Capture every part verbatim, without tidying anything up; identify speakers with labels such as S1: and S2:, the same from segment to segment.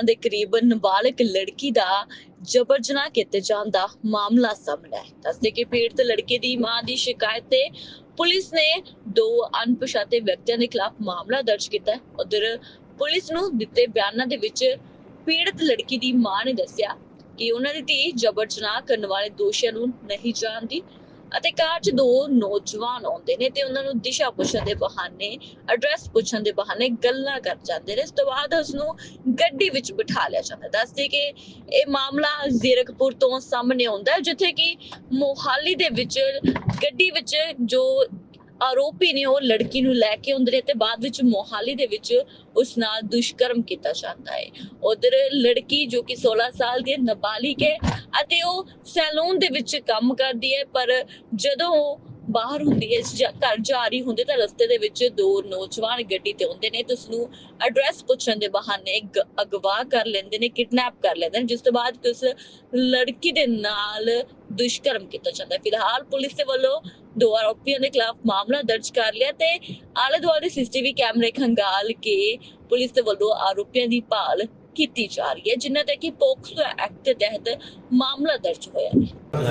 S1: ਸਾਲਾਂ ਦੇ करीब नाबालिग लड़की ਦਾ जबर जनाह किए जाने का मामला सामने है। दसदे कि पीड़ित लड़के की मां की शिकायत ते पुलिस ने दो अनपछाते व्यक्तियों के खिलाफ मामला दर्ज किया। उधर पुलिस नूं दिते बयानां दे विच पीड़ित लड़की की मां ने दस्सिया कि उन्हां दी धी जबर जनाह करने वाले दोषियों नूं नहीं जानती ਅਤੇ ਕਾਰ 'ਚ ਦੋ ਨੌਜਵਾਨ ਆਉਂਦੇ ਨੇ ਤੇ ਉਹਨਾਂ ਨੂੰ ਦਿਸ਼ਾ ਪੁੱਛਣ ਦੇ ਬਹਾਨੇ ਐਡਰੈਸ ਪੁੱਛਣ ਦੇ ਬਹਾਨੇ ਗੱਲਾਂ ਕਰ ਜਾਂਦੇ ਨੇ। ਇਸ ਤੋਂ ਬਾਅਦ ਉਸ ਨੂੰ ਗੱਡੀ ਵਿੱਚ ਬਿਠਾ ਲਿਆ ਜਾਂਦਾ। ਦੱਸਦੇ ਕਿ ਇਹ ਮਾਮਲਾ ਜ਼ੀਰਕਪੁਰ ਤੋਂ ਸਾਹਮਣੇ ਆਉਂਦਾ ਜਿੱਥੇ ਕਿ ਮੋਹਾਲੀ ਦੇ ਵਿੱਚ ਗੱਡੀ ਵਿੱਚ ਜੋ ਆਰੋਪੀ ਨੇ ਉਹ ਲੜਕੀ ਨੂੰ ਲੈ ਕੇ ਆਉਂਦੇ ਨੇ ਤੇ ਬਾਅਦ ਵਿੱਚ ਮੋਹਾਲੀ ਦੇ ਵਿੱਚ ਉਸ ਨਾਲ ਦੁਸ਼ਕਰਮ ਕੀਤਾ ਜਾਂਦਾ ਹੈ। ਉਧਰ ਲੜਕੀ ਜੋ ਕਿ सोलह ਸਾਲ ਦੀ ਨਾਬਾਲਿਗ ਹੈ ਅਤੇ ਉਹ ਸੈਲੂਨ ਦੇ ਵਿੱਚ ਕੰਮ ਕਰਦੀ ਹੈ, ਪਰ ਜਦੋਂ ਉਹ ਬਾਹਰ ਹੁੰਦੀ ਹੈ ਘਰ ਜਾ ਰਹੀ ਹੁੰਦੀ ਤਾਂ ਰਸਤੇ ਦੇ ਵਿੱਚ ਦੋ ਨੌਜਵਾਨ ਗੱਡੀ ਤੇ ਆਉਂਦੇ ਨੇ ਤੇ ਉਸਨੂੰ ਐਡਰੈਸ ਪੁੱਛਣ ਦੇ ਬਹਾਨੇ ਅਗਵਾ ਕਰ ਲੈਂਦੇ ਨੇ, ਕਿਡਨੈਪ ਕਰ ਲੈਂਦੇ ਨੇ, ਜਿਸ ਤੋਂ ਬਾਅਦ ਉਸ ਲੜਕੀ ਦੇ ਨਾਲ ਦੁਸ਼ਕਰਮ ਕੀਤਾ ਜਾਂਦਾ ਹੈ। ਫਿਲਹਾਲ ਪੁਲਿਸ ਦੇ ਵੱਲੋਂ ਦੋ ਆਰੋਪੀਆਂ ਦੇ ਖਿਲਾਫ ਮਾਮਲਾ ਦਰਜ ਕਰ ਲਿਆ ਤੇ ਆਲੇ ਦੁਆਲੇ ਸੀਸੀਟੀਵੀ ਕੈਮਰੇ ਖੰਗਾਲ ਕੇ ਪੁਲਿਸ ਦੇ ਵੱਲੋਂ ਆਰੋਪੀਆਂ ਦੀ ਭਾਲ ਕੀਤੀ ਜਾ ਰਹੀ ਹੈ, ਜਿਨ੍ਹਾਂ ਤੇ ਕਿ ਪੋਕਸੋ ਐਕਟ ਦੇ ਤਹਿਤ ਮਾਮਲਾ ਦਰਜ ਹੋਇਆ ਹੈ।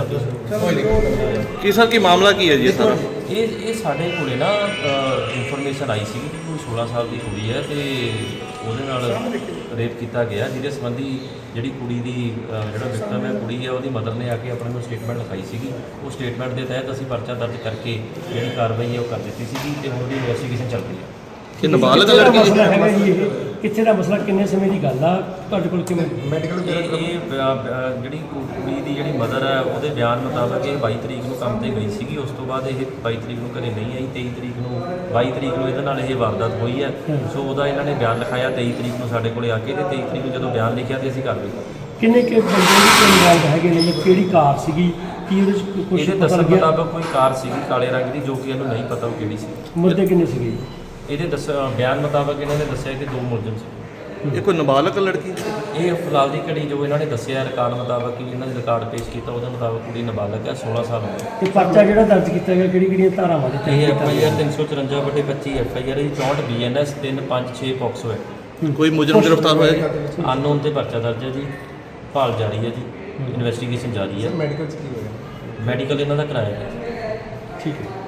S2: ਕੀ ਸਰ ਕੀ ਮਾਮਲਾ ਕੀ ਹੈ ਜੀ ਸਾਰਾ?
S3: ਇਹ ਇਹ ਸਾਡੇ ਕੋਲੇ ਨਾ ਇਨਫੋਰਮੇਸ਼ਨ ਆਈ ਸੀ ਕਿ ਕੋਈ सोलह ਸਾਲ ਦੀ ਕੁੜੀ ਹੈ ਤੇ ਉਹਦੇ ਨਾਲ ਰੇਪ ਕੀਤਾ ਗਿਆ, ਜਿਹਦੇ ਸੰਬੰਧੀ ਜਿਹੜੀ ਕੁੜੀ ਦੀ ਜਿਹੜਾ ਵਿਕਟਮ ਹੈ ਕੁੜੀ ਹੈ ਉਹਦੀ ਮਦਰ ਨੇ ਆ ਕੇ ਆਪਣੇ ਨੂੰ ਸਟੇਟਮੈਂਟ ਲਿਖਾਈ ਸੀਗੀ। ਉਹ ਸਟੇਟਮੈਂਟ ਦੇ ਤਹਿਤ ਅਸੀਂ ਪਰਚਾ ਦਰਜ ਕਰਕੇ ਜਿਹੜੀ ਕਾਰਵਾਈ ਹੈ ਉਹ ਕਰ ਦਿੱਤੀ ਸੀਗੀ ਤੇ ਹੁਣ ਦੀ ਇਨਵੈਸਟੀਗੇਸ਼ਨ ਚੱਲ ਰਹੀ ਹੈ।
S2: ਇਹ ਨਾਬਾਲਗ ਲੜਕੀ
S4: ਮਸਲਾ ਹੈਗਾ ਜੀ, ਇਹ ਕਿੱਥੇ ਦਾ ਮਸਲਾ, ਕਿੰਨੇ ਸਮੇਂ ਦੀ ਗੱਲ ਆ, ਤੁਹਾਡੇ ਕੋਲ ਕਿਵੇਂ
S3: ਮੈਡੀਕਲ ਜਿਹੜੀ ਕੁੜੀ ਦੀ ਜਿਹੜੀ ਮਦਰ ਹੈ ਉਹਦੇ ਬਿਆਨ ਮੁਤਾਬਕ ਇਹ ਬਾਈ ਤਰੀਕ ਨੂੰ ਕੰਮ ਤੇ ਗਈ ਸੀਗੀ। ਉਸ ਤੋਂ ਬਾਅਦ ਇਹ ਬਾਈ ਤਰੀਕ ਨੂੰ ਘਰੇ ਨਹੀਂ ਆਈ। ਤੇਈ ਤਰੀਕ ਨੂੰ ਬਾਈ ਤਰੀਕ ਨੂੰ ਇਹਦੇ ਨਾਲ ਇਹ ਵਾਰਦਾਤ ਹੋਈ ਹੈ। ਸੋ ਉਹਦਾ ਇਹਨਾਂ ਨੇ ਬਿਆਨ ਲਿਖਾਇਆ ਤੇਈ ਤਰੀਕ ਨੂੰ ਸਾਡੇ ਕੋਲੇ ਆ ਕੇ ਤੇ ਤੇਈ ਤਰੀਕ ਨੂੰ ਜਦੋਂ ਬਿਆਨ ਲਿਖਿਆ ਤੇ ਅਸੀਂ ਕਾਰਵਾਈ ਕੀਤੀ।
S4: ਕਿੰਨੇ ਕਿ ਬੰਦੇ ਦੀ ਇਨਵੋਲਵ ਹੈਗੇ ਨੇ ਜਾਂ ਕਿਹੜੀ ਕਾਰ ਸੀਗੀ, ਕੀ ਉਹਦੇ ਚ ਕੁਝ
S3: ਇਹਦੇ
S4: ਪਤਾ
S3: ਦੱਸਣ
S4: ਲੱਗਿਆ?
S3: ਮੁਤਾਬਕ ਕੋਈ ਕਾਰ ਸੀਗੀ ਕਾਲੇ ਰੰਗ ਦੀ ਜੋ ਕਿ ਇਹਨੂੰ ਨਹੀਂ ਪਤਾ ਉਹ ਕਿਹੜੀ ਸੀ।
S4: ਮੁੱਦੇ ਕਿੰਨੇ ਸੀਗੇ?
S3: ਇਹਦੇ ਦੱਸ ਬਿਆਨ ਮੁਤਾਬਕ ਇਹਨਾਂ ਨੇ ਦੱਸਿਆ ਕਿ ਦੋ ਮੁਲਜ਼ਮ ਸੀ।
S2: ਇਹ ਕੋਈ ਨਾਬਾਲਗ ਲੜਕੀ?
S3: ਇਹ ਫਿਲਹਾਲ ਦੀ ਘੜੀ ਜੋ ਇਹਨਾਂ ਨੇ ਦੱਸਿਆ ਰਿਕਾਰਡ ਮੁਤਾਬਕ ਕਿ ਇਹਨਾਂ ਨੇ ਰਿਕਾਰਡ ਪੇਸ਼ ਕੀਤਾ ਉਹਦੇ ਮੁਤਾਬਕ ਕੁੜੀ ਨਾਬਾਲਗ ਹੈ, सोलह ਸਾਲ ਉਮਰ।
S4: ਤੇ ਪਰਚਾ ਜਿਹੜਾ ਦਰਜ ਕੀਤਾ ਗਿਆ ਕਿਹੜੀ ਕਿਹੜੀਆਂ ਧਾਰਾਵਾਂ ਦੇ
S3: ਇਹ
S4: ਤਹਿਤ
S3: ਐਫ
S4: ਕੀਤਾ
S3: ਆਈ
S4: ਗਿਆ?
S3: ਆਰ ਤਿੰਨ ਸੌ ਚੁਰੰਜਾ ਬਟੇ ਪੱਚੀ ਐਫ ਆਈ ਆਰ ਹੈ, ਚੌਂਹਠ ਬੀ ਐਨ ਐਸ ਤਿੰਨ ਪੰਜ ਛੇ ਪੌਕਸੋ ਹੈ।
S2: ਕੋਈ ਮੁਜਰਮ ਗ੍ਰਿਫਤਾਰ ਹੋਇਆ ਜੀ?
S3: ਅਨਨੋਨ ਤੇ ਪਰਚਾ ਦਰਜ ਹੈ ਜੀ, ਭਾਲ ਜਾਰੀ ਹੈ ਜੀ, ਇਨਵੈਸਟੀਗੇਸ਼ਨ ਜਾਰੀ ਹੈ।
S5: ਮੈਡੀਕਲ 'ਚ ਕੀ ਹੋਇਆ?
S3: ਮੈਡੀਕਲ ਇਹਨਾਂ ਦਾ ਕਰਾਇਆ ਗਿਆ।
S4: ਠੀਕ ਹੈ।